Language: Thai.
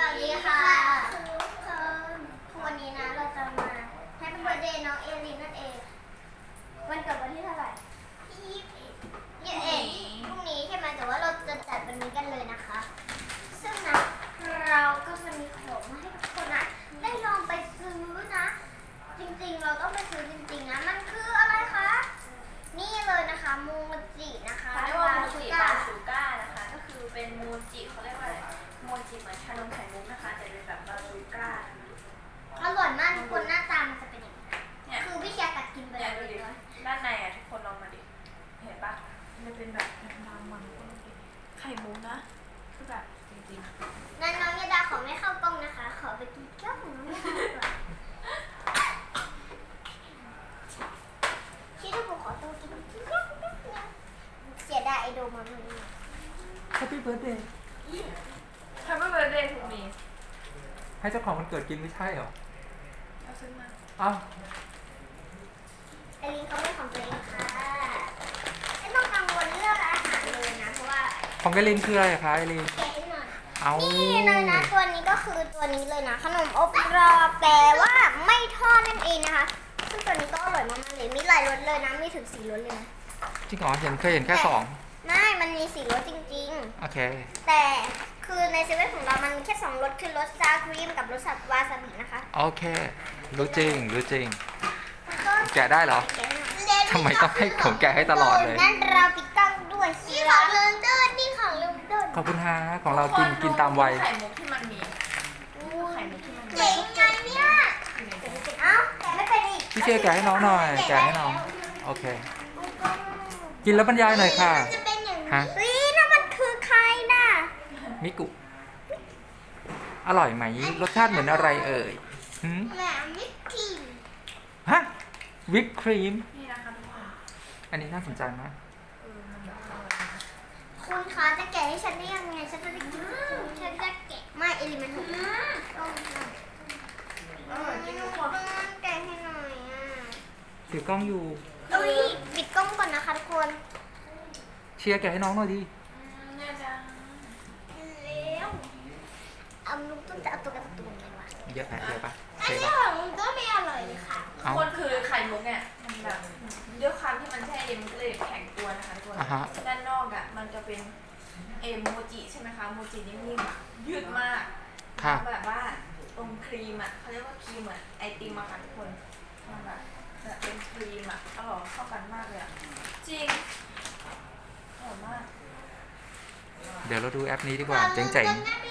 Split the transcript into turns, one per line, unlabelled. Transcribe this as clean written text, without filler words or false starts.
วัสดีค่ะทุกคนวันนี้นะเราจะมาแฮปปี้เบิร์ธเดย์น้องเอลินนั่นเองวันเกิดวันที่เท่าไหร่ที่21พรุ่งนี้ใช่ไหมแต่ว่าเราจะจัดวันนี้กันเลยนะคะซึ่งนะเราก็จะมีของมาให้ทุกคนนะได้ลองไปซื้อนะจริงๆเราต้องไปซื้อจริงๆนะมันคืออะไรคะนี่เลยนะคะมูจินะคะ
เขาเรียกว่าโมจิบาซูก้านะคะก็คือเป็นโมจิเขาเรียกว่าอะไรโมจิเหมือนชานมไข่มุกนะคะแต่เป็นแบบบาซูก้า
อร่อยมากทุกคนหน้าตามันจะเป็นอย่างนี้
เนี่ย
คือพี่เชียร์กัดกินไป
เนี่ย
แล้ว
ดูดิ
เลย
ด้านในอ่ะทุกคนลองมาดิเห็นปะมันเป็นแบบมันไข่มุกนะคือแบบจริงๆ
งั้นน้องยาดาขอไม่เข้ากล้องนะคะ ขอไปกินแก้วของน้องยาดาก่อนชิคกี้พายขอตัวกินแก้วแป๊บนึงเสียดายไอโดมันเลย
Happy birthday
ทำให้เบอร์เดย์ถูกมี
ให้เจ้าของมันเกิดกินไม่ใช่เหรอ
เอาซื้อมา
เอ้า
ไอลินเขาไม่ของตัวเองค่ะไม่ต้องกังวลเรื่องอาหารเลยนะ เพราะว่า
ของกลินคืออะไรคะไอรีน
แกะให้หน่อย
เอา
นี่เลยนะตัวนี้ก็คือตัวนี้เลยนะขนมอบกรอบแต่ว่าไม่ทอดนั่นเองนะคะซึ่งตัวนี้ก็อร่อยมากๆเลยมีหลายรสเลยนะมีถึง4รสเลยนะ
จริงเหรอเคยเห็นแค่สอง
ไม่มันมี4รสจริง
โอเค
ๆ แต่คือในเซเว่นของเรามันมีแค่2รสคือรสซาครีมกับรสวาซาบินะคะ
โอเค รู้จริง
แล้วก็
แกะได้เหรอ
แกะให้หน่อย
ทำไมต้องให้ผมแกะให้ตลอดเลย
นั่นเราปิดกล้องด้วยนี่ของลุงเดินนี่ของลุงเดิน
ขอบคุณฮะของเรากินตามวัย
ไข่มุกที่มันมีไข่มุกที่มันมี
เจ๋งไงเนี่ยเอ้าแกะไม่เป็นอีก
พี่เชียร์แกะให้น้องหน่อย แกะให้น้อง โอเค กินแล้วบรรยายหน่อยค่ะ
มันจะเป็นอย่าง
ฮะ
นี้นั่นมันคือใครน่ะ
มิกุ อร่อยไหม รสชาติเหมือนอะไรเอ่ยหืม
แหม่มิกกี้
ฮะ วิปครีม
นี่นะคะทุกคน
อันนี้น่าสนใจมาก
มันแบบอร่อยนะ
คุณคะจะแกะให้ฉันได้ยังไงฉันจะได้กินฉันจะแกะไม่เอลิมันถูกต้อง
อร่อยจริงทุกคน
แกะให้หน่อยอ่ะ
ถือกล้องอยู่
อุ้ยปิดกล้องก่อนนะคะทุกคน
เชียร์แกะให้น้องหน่อยดิ
เนี่ยจัง
แล้วเอาลุงต้นจะเอาตัวการ์ตูนไงวะ
เยอะปะ
อัน
เท
นี้
ปะ
ของลุงต้นไม่อร่อยเลยค่ะ
ทุก
เอา
คนคือไข่มุกเนี่ยมันแบบด้วยความที่มันแช่เย็นมันก็เลยแข็งตัวนะคะทุกคน
อ่าฮะ
ด้านนอกอ่ะมันจะเป็นโมจิใช่ไหมคะโมจินิ่มๆอะยืดมาก
ค่ะ
แบบว่าตรงครีมอ่ะเขาเรียกว่าครีมเหมือนไอติมอะค่ะทุกคนมันแบบเป็นครีมอ่ะอร่อยเข้ากันมากเลยอ่ะจริงอร่อยมาก
เดี๋ยวเราดูแอปนี้ดีกว่า เจ๋ง
ได้ไป